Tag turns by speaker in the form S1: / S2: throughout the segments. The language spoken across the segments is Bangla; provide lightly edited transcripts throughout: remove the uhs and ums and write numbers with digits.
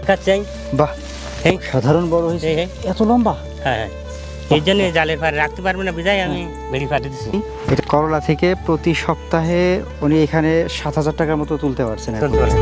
S1: খাচ্ছেন।
S2: বাহ,
S1: এই
S2: সাধারণ বড় হয়েছে,
S1: এই, এই।
S2: এত লম্বা।
S1: হ্যাঁ, এই জন্য জালের পাড়ে রাখতে পারবে না বিদায় আমি বেড়ি পাড়ে দিচ্ছি।
S2: এটা করলা থেকে প্রতি সপ্তাহে উনি এখানে 7,000 টাকার মতো তুলতে পারছেন এখন।
S1: চলতে পারে।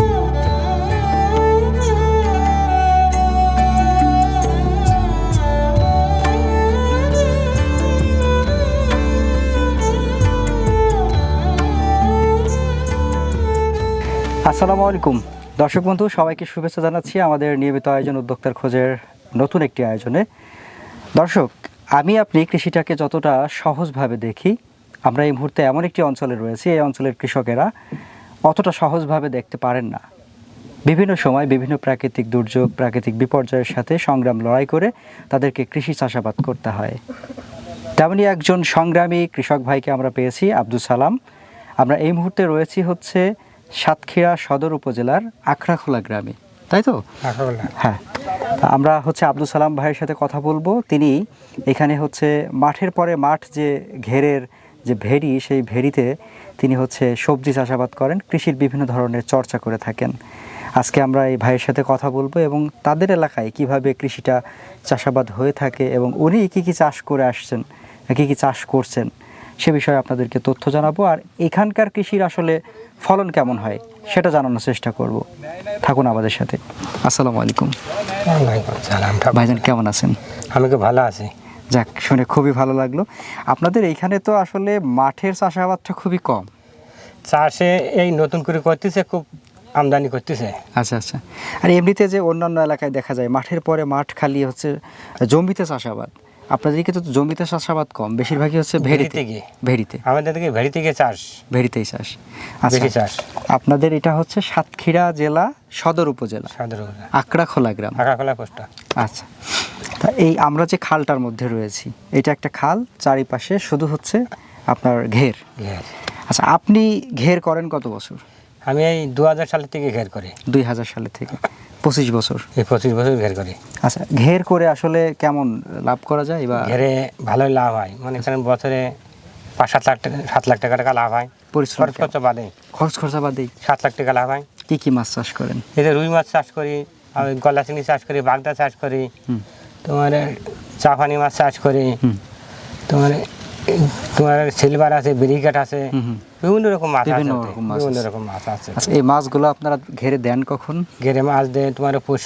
S2: আসসালামু আলাইকুম দর্শক বন্ধু, সবাইকে শুভেচ্ছা জানাচ্ছি আমাদের নিয়মিত আয়োজন উদ্যোক্তার খোঁজের নতুন একটি আয়োজনে। দর্শক, আমি আপনি কৃষিটাকে যতটা সহজভাবে দেখি, আমরা এই মুহূর্তে এমন একটি অঞ্চলে রয়েছি, এই অঞ্চলের কৃষকেরা অতটা সহজভাবে দেখতে পারেন না। বিভিন্ন সময় বিভিন্ন প্রাকৃতিক দুর্যোগ, প্রাকৃতিক বিপর্যয়ের সাথে সংগ্রাম লড়াই করে তাদেরকে কৃষি চাষাবাদ করতে হয়। তেমনই একজন সংগ্রামী কৃষক ভাইকে আমরা পেয়েছি, আব্দুল সালাম। আমরা এই মুহূর্তে রয়েছি হচ্ছে সাতক্ষীরা সদর উপজেলার আখড়াখোলা গ্রামে, তাই তো? হ্যাঁ, আমরা হচ্ছে আব্দুল সালাম ভাইয়ের সাথে কথা বলবো। তিনি এখানে হচ্ছে মাঠের পরে মাঠ, যে ঘেরের যে ভেড়ি, সেই ভেড়িতে তিনি হচ্ছে সবজি চাষাবাদ করেন, কৃষির বিভিন্ন ধরনের চর্চা করে থাকেন। আজকে আমরা এই ভাইয়ের সাথে কথা বলবো এবং তাদের এলাকায় কিভাবে কৃষিটা চাষাবাদ হয়ে থাকে এবং উনি কী কী চাষ করে আসছেন, কী কী চাষ করছেন, সে বিষয়ে আপনাদেরকে তথ্য জানাবো। আর এখানকার কৃষির আসলে ফলন কেমন হয় সেটা জানানোর চেষ্টা করব। থাকুন আমাদের সাথে। আসসালামু আলাইকুম ভাইজান, কেমন আছেন?
S1: আমি তো ভালো আছি।
S2: যাক, শুনে খুবই ভালো লাগলো। আপনাদের এইখানে তো আসলে মাঠের চাষাবাদটা খুবই কম।
S1: চাষে এই নতুন করে করতেছে, খুব আমদানি করতেছে।
S2: আচ্ছা আচ্ছা। আর এমনিতে যে অন্যান্য এলাকায় দেখা যায় মাঠের পরে মাঠ খালি হচ্ছে জমিতে চাষাবাদ, আপনাদেরকে তো জমিতে চাষাবাদ কম, বেশিরভাগই হচ্ছে ভেড়িতে। ভেড়িতে
S1: আমাদের থেকে ভেড়ি থেকে চাষ,
S2: ভেড়িতেই চাষ।
S1: বেশি
S2: আচ্ছা,
S1: চাষ।
S2: আপনাদের এটা হচ্ছে সাতক্ষীরা জেলা সদর উপজেলা, আখড়াখোলা গ্রাম।
S1: আখড়াখোলা পোস্ট।
S2: আচ্ছা, তা এই আমরা যে খালটার মধ্যে রয়েছি, এটা একটা খাল, চারিপাশে শুধু হচ্ছে আপনার ঘের। আচ্ছা, আপনি ঘের করেন কত বছর?
S1: আমি এই 2000 সালের থেকে ঘের করি।
S2: 2000 সালে থেকে 25 বছর।
S1: এই 25 বছর ঘের করি।
S2: আচ্ছা, ঘের করে আসলে কেমন লাভ করা যায়? বা
S1: ঘেরে ভালোই লাভ হয়, মনে করেন বছরে 5-7 লাখ টাকা লাভ হয়।
S2: পরিশ্রম
S1: খরচ খরচা বাদে,
S2: খরচ খরচা বাদেই
S1: 7 লাখ টাকা লাভ হয়।
S2: কি কি মাছ চাষ করেন?
S1: এই যে রুই মাছ চাষ করি, আমি গলা চিংড়ি চাষ করি, বাগদা চাষ করি, তোমার চাপানি মাছ চাষ করি, তোমার সিলভার আছে, ব্রিগেড আছে, বিভিন্ন রকম মাছ আছে। বিভিন্ন রকম মাছ আছে।
S2: আচ্ছা, এই মাছগুলো আপনারা ঘেরে দেন কখন?
S1: ঘেরে মাছ দেয় তোমার পৌষ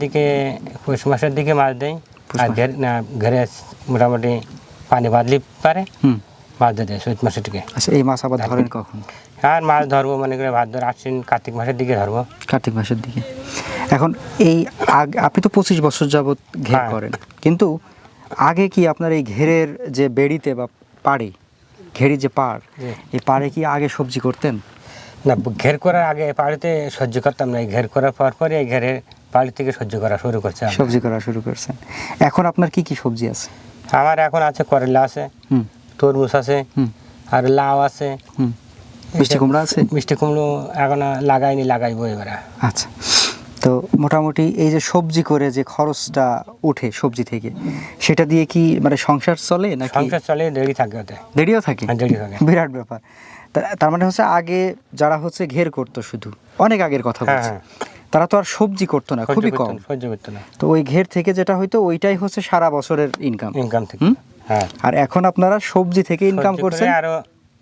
S1: মাসের দিকে মাছ দেয়। আর ঘেরে মোটামুটি পানি বাদলি পারে মাছ দেয় চৈত মাসের দিকে।
S2: আচ্ছা, এই মাছ আবার ধরেন কখন?
S1: আর মাছ ধরবো মনে করে ভাদ্র আশ্বিন কার্তিক মাসের দিকে ধরবো।
S2: কার্তিক মাসের দিকে। এখন এই আপনি তো 25 বছর যাবত ঘের করেন, কিন্তু আগে কি আপনার এই ঘেরের যে বেড়িতে বা পাড়ে, ঘেরি যে পাড়, এই পাড়ে কি আগে সবজি করতেন?
S1: না, ঘের করার আগে পাড়িতে সহ্য করতাম না। ঘের করার পরে এই ঘেরের পাড়ি থেকে সহ্য করা শুরু করছে,
S2: সবজি করা শুরু করছেন। এখন আপনার কি কি সবজি আছে?
S1: আমার এখন আছে করলা আছে, তরমুজ আছে, আর লাউ আছে,
S2: মিষ্টি কুমড়া আছে।
S1: মিষ্টি কুমড়ো এখন লাগাইনি, লাগাইবো এবারে।
S2: আচ্ছা, তো মোটামুটি এই যে সবজি করে যে খরচটা ওঠে সবজি থেকে, সেটা দিয়ে কি মানে সংসার চলে নাকি?
S1: সংসার চলে, দেরি থাকে ওতে।
S2: দেরিও থাকে?
S1: দেরি থাকে,
S2: বিরাট ব্যাপার। তার মানে হচ্ছে আগে যারা হচ্ছে ঘের করতো, শুধু অনেক আগের কথা বলছি, তারা তো আর সবজি করতো না, খুবই কম
S1: সহ্য করতো না।
S2: তো ওই ঘের থেকে যেটা হয়তো ওইটাই হচ্ছে সারা বছরের ইনকাম থেকে।
S1: হ্যাঁ,
S2: আর এখন আপনারা সবজি থেকে ইনকাম করছেন,
S1: আরো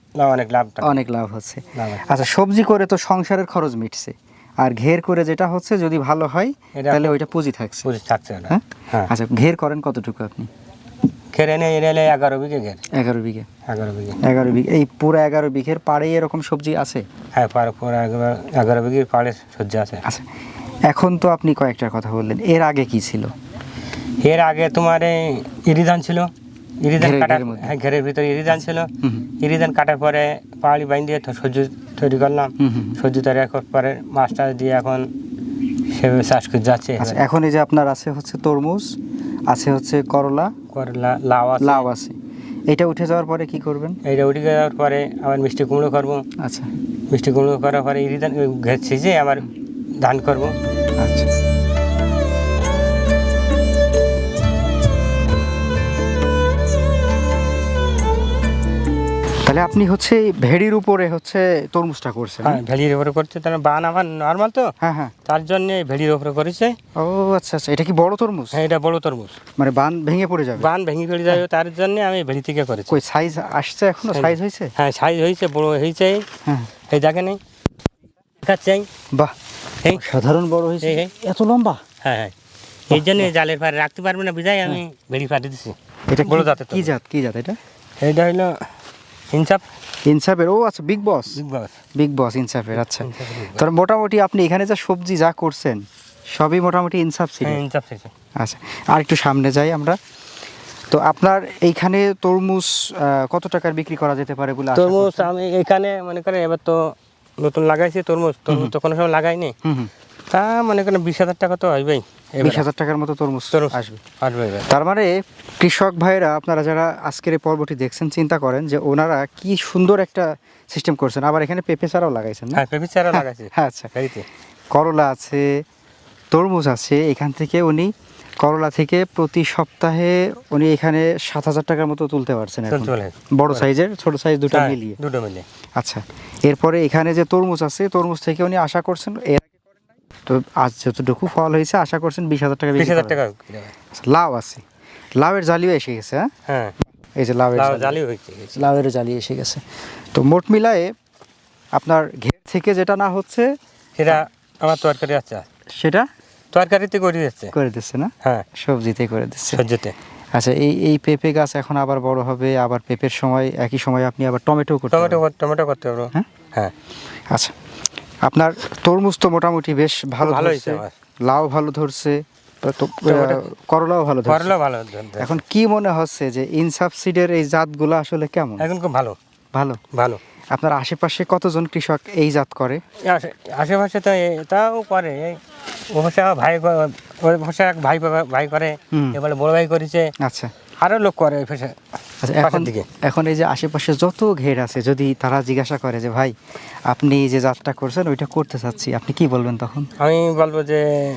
S1: অনেক লাভ
S2: হচ্ছে। আচ্ছা, সবজি করে তো সংসারের খরচ মিটছে, আর ঘের করে যেটা হচ্ছে যদি ভালো হয় তাহলে ওইটা পুঁজি থাকছে।
S1: হ্যাঁ।
S2: আচ্ছা, ঘের করেন কতটুকু আপনি?
S1: ঘেরে নেই 11 বিঘে ঘের।
S2: 11 বিঘে। 11 বিঘে। এই পুরো 11 বিঘের পাড়ে এরকম সবজি আছে?
S1: হ্যাঁ, পুরো 11 বিঘের পাড়ে সবজি আছে।
S2: আচ্ছা, এখন তো আপনি কয়েকটার কথা বললেন, এর আগে কি ছিল?
S1: এর আগে তোমার ইরিধান ছিল, ইরিধান কাটার, ঘেরের ভিতরে ইরিধান ছিল। ইরিধান কাটার পরে পাহাড়ি বাইন দিয়ে সবজি তৈরি করলাম। সবজি তৈরি করার পরে মাছটা দিয়ে এখন সেভাবে চাষ করে যাচ্ছে।
S2: এখন এই যে আপনার আছে হচ্ছে তরমুজ, আছে হচ্ছে করলা, লাউ আছে। এটা উঠে যাওয়ার পরে কি করবেন?
S1: এটা উঠে যাওয়ার পরে আবার মিষ্টি কুমড়ো করবো।
S2: আচ্ছা,
S1: মিষ্টি কুমড়ো করার পরে ইরিধান ঘের ছিঁচে আবার ধান করবো।
S2: আচ্ছা, তাহলে আপনি হচ্ছে এই ভেড়ির উপরে হচ্ছে তরমুজটা করছেন?
S1: হ্যাঁ, ভেড়ির উপরে করছে, তার বান আমার নর্মাল তো,
S2: হ্যাঁ হ্যাঁ।
S1: তার জন্য ভেড়ির উপরে করেছে।
S2: ও আচ্ছা আচ্ছা, এটা কি বড় তরমুজ?
S1: হ্যাঁ, এটা বড় তরমুজ,
S2: মানে বান ভেঙে পড়ে যাবে?
S1: বান ভেঙে পড়ে যাবে, তার জন্য আমি ভেড়ি থেকে করেছি।
S2: কই সাইজ আসছে এখনো? সাইজ হয়েছে?
S1: হ্যাঁ, সাইজ হয়েছে, বড় হয়েছে।
S2: হ্যাঁ,
S1: এই দেখেন, এই দেখাচ্ছে,
S2: বাহ,
S1: এই
S2: সাধারণ বড় হয়েছে,
S1: এই, এই।
S2: এত লম্বা।
S1: হ্যাঁ হ্যাঁ, এই জন্য জালের পাড়ে রাখতে পারবে না, বিজায় আমি ভেড়ি পাড়ে দিচ্ছি।
S2: এটা
S1: বড়
S2: কি-
S1: জাতের
S2: কি জাত? কি জাত এটা?
S1: এইটা হলো ইনসাফ,
S2: ইনসাফের? ও আচ্ছা, big boss.
S1: Big boss.
S2: Big boss ইনসাফের, আচ্ছা। তার মোটামুটি আপনি এখানে যা সবজি যা করছেন সবই মোটামুটি ইনসাফ ছিল।
S1: হ্যাঁ, ইনসাফ শেষে।
S2: আচ্ছা, আর একটু সামনে যাই আমরা। তো আপনার এইখানে তরমুজ কত টাকার বিক্রি করা যেতে পারে বলে আশা
S1: তরমুজ
S2: করছেন?
S1: আমি এখানে মনে করেন এবার তো নতুন লাগাইছি তরমুজ, তরমুজ তো কোনো সময় লাগাইনি,
S2: হুম হুম,
S1: তা মনে করেন 20,000 টাকা তো আসবেই,
S2: 20,000 টাকার মতো তরমুজ
S1: তরমুজ
S2: আসবে।
S1: আসবে এবার।
S2: তার মানে কৃষক ভাইরা, আপনারা যারা আজকের এই পর্বটি দেখছেন, চিন্তা করেন যে ওনারা কি সুন্দর একটা সিস্টেম করছেন। আবার এখানে পেঁপে চারাও লাগাইছেন না?
S1: হ্যাঁ, পেঁপে চারা লাগাইছি।
S2: হ্যাঁ, আচ্ছা,
S1: ভেড়িতে
S2: করলা আছে, তরমুজ আছে। এখান থেকে উনি করলা থেকে প্রতি সপ্তাহে উনি এখানে 7,000 টাকার মতো তুলতে পারছেন এখন।
S1: চলে
S2: বড় সাইজের, ছোট সাইজ দুটো
S1: হ্যাঁ,
S2: মিলিয়ে।
S1: দুটো মিলে।
S2: আচ্ছা, এরপরে এখানে যে তরমুজ আছে, তরমুজ থেকে উনি আশা করছেন এর আগে করেন নাই? তো আজ যতটুকু ফল হয়েছে আশা করছেন 20,000 টাকা বিক্রি
S1: 20,000
S2: করবেন।
S1: টাকা বিক্রি হবে।
S2: আচ্ছা, লাউ আছে, লাউয়ের জালিও এসে গেছে। হ্যাঁ,
S1: হ্যাঁ,
S2: এই যে লাউয়ের জালি,
S1: জালি হয়েছে।
S2: লাউয়ের জালি এসে গেছে। তো মোট মিলায়ে আপনার ঘের থেকে যেটা না হচ্ছে
S1: সেটা আমার তরকারি আছে,
S2: সেটা
S1: তরকারিতে করে দিচ্ছে।
S2: করে দিচ্ছে না?
S1: হ্যাঁ,
S2: সবজিতে করে দিচ্ছে।
S1: সহ্যতে।
S2: আচ্ছা, এই পেঁপে গাছ এখন আবার বড় হবে, আবার পেঁপের সময় একই সময় আপনি আবার টমেটো করতে
S1: টমেটো
S2: পারবেন।
S1: টমেটো করতে পারবো।
S2: হ্যাঁ?
S1: হ্যাঁ,
S2: আচ্ছা, আপনার তরমুজ তো মোটামুটি বেশ ভালো
S1: ভালো
S2: ধরছে,
S1: হয়েছে আমার।
S2: লাউ ভালো ধরছে, তো
S1: টমেটো-
S2: করলাও ভালো ধরছে।
S1: করলেও ভালো ধরতে।
S2: এখন কি মনে হচ্ছে যে ইনসাফ সিডের এই জাতগুলো আসলে কেমন?
S1: এখন খুব ভালো,
S2: ভালো।
S1: ভালো।
S2: আপনার আশেপাশে কতজন কৃষক এই জাত করে?
S1: আশেপাশে তো তাও করে, এই অবশ্য ভাই অবশ্য এক ভাই করে,
S2: হুম।
S1: এবারে বড় ভাই করেছে,
S2: আচ্ছা
S1: আরও লোক করে এই পাশে,
S2: আচ্ছা, এখন
S1: পাশের দিকে।
S2: এখন এই যে আশেপাশে যত ঘের আছে, যদি তারা জিজ্ঞাসা করে যে ভাই আপনি যে জাতটা করছেন ওইটা করতে চাচ্ছি, আপনি কি বলবেন তখন?
S1: আমি বলবো যে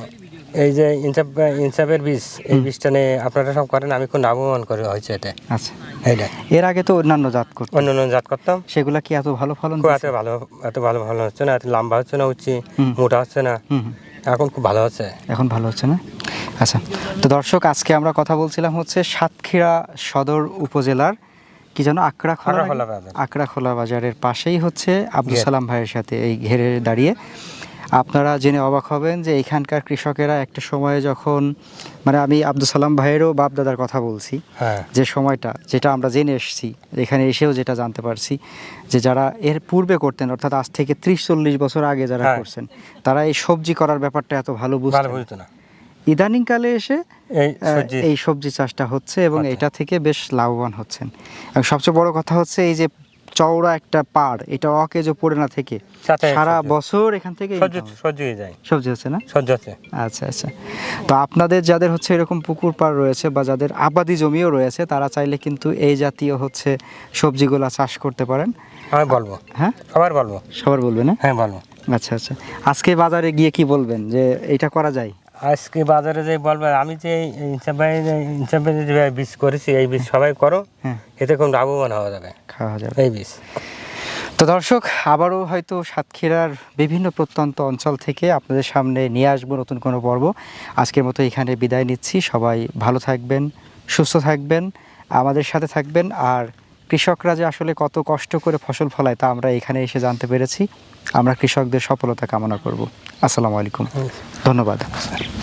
S1: এই যে ইনসাফের বীজ, এই বীজটা নিয়ে আপনারা সব করেন, আমি খুব লাভবান করে হয়েছে এটা।
S2: আচ্ছা,
S1: এইটা
S2: এর আগে তো অন্যান্য জাত করতেন,
S1: অন্য অন্য জাত করতাম,
S2: সেগুলা কি এত ভালো ফলন
S1: খুব
S2: দিছে?
S1: এত ভালো ভালো হচ্ছে না, এত লম্বা হচ্ছে না, উঠছি
S2: হুম।
S1: মোটা হচ্ছে না,
S2: হুম হুম।
S1: এখন খুব ভালো হচ্ছে।
S2: এখন ভালো হচ্ছে না? আচ্ছা, তো দর্শক, আজকে আমরা কথা বলছিলাম হচ্ছে সাতক্ষীরা সদর উপজেলার কি যেন
S1: আঁকড়াখোলা
S2: আঁকড়াখোলা
S1: বাজার।
S2: আঁকড়াখোলা বাজারের পাশেই হচ্ছে আব্দুল
S1: ঘের।
S2: সালাম ভাইয়ের সাথে এই ঘেরে দাঁড়িয়ে আপনারা জেনে অবাক হবেন যে এখানকার কৃষকেরা একটা সময়ে যখন, মানে আমি আব্দুল সালাম ভাইয়েরও বাপ দাদার কথা বলছি,
S1: হ্যাঁ,
S2: যে সময়টা যেটা আমরা জেনে এসেছি, এখানে এসেও যেটা জানতে পারছি, যে যারা এর পূর্বে করতেন, অর্থাৎ আজ থেকে 30-40 বছর আগে যারা
S1: হ্যাঁ।
S2: করছেন, তারা এই সবজি করার ব্যাপারটা এত ভালো
S1: ভালো
S2: বুঝতেন।
S1: বুঝতো না।
S2: ইদানিংকালে এসে
S1: এই সবজি
S2: এই সবজি চাষটা হচ্ছে এবং
S1: আচ্ছা।
S2: এটা থেকে বেশ লাভবান হচ্ছেন। এবং সবচেয়ে বড় কথা হচ্ছে এই যে চওড়া একটা পাড়, এটা অকেজো পড়ে না থেকে
S1: সাথে
S2: সারা
S1: সবজি।
S2: বছর এখান থেকে
S1: সহ্য হয়ে যায়,
S2: সবজি হচ্ছে না?
S1: সহ্য হচ্ছে।
S2: আচ্ছা আচ্ছা, তো আপনাদের যাদের হচ্ছে এরকম পুকুর পাড় রয়েছে বা যাদের আবাদি জমিও রয়েছে, তারা চাইলে কিন্তু এই জাতীয় হচ্ছে সবজিগুলা চাষ করতে পারেন।
S1: আমি বলবো,
S2: হ্যাঁ,
S1: সবার বলবো।
S2: সবার বলবেন? হ্যাঁ,
S1: হ্যাঁ, বলবো।
S2: আচ্ছা আচ্ছা, আজকে বাজারে গিয়ে কি বলবেন যে এটা করা যায়?
S1: আজকে বাজারে যে বলবো, আমি যে ইনসাফে যে বীজ করেছি, এই বীজ সবাই করো,
S2: হ্যাঁ,
S1: এতে খুব লাভবান হওয়া যাবে
S2: খাওয়া যাবে।
S1: এই বীজ।
S2: তো দর্শক, আবারও হয়তো সাতক্ষীরার বিভিন্ন প্রত্যন্ত অঞ্চল থেকে আপনাদের সামনে নিয়ে আসবো নতুন কোনো পর্ব। আজকের মতো এখানে বিদায় নিচ্ছি। সবাই ভালো থাকবেন, সুস্থ থাকবেন, আমাদের সাথে থাকবেন। আর কৃষকরা যে আসলে কত কষ্ট করে ফসল ফলায় তা আমরা এখানে এসে জানতে পেরেছি। আমরা কৃষকদের সফলতা কামনা করব। আসসালামু আলাইকুম, ধন্যবাদ।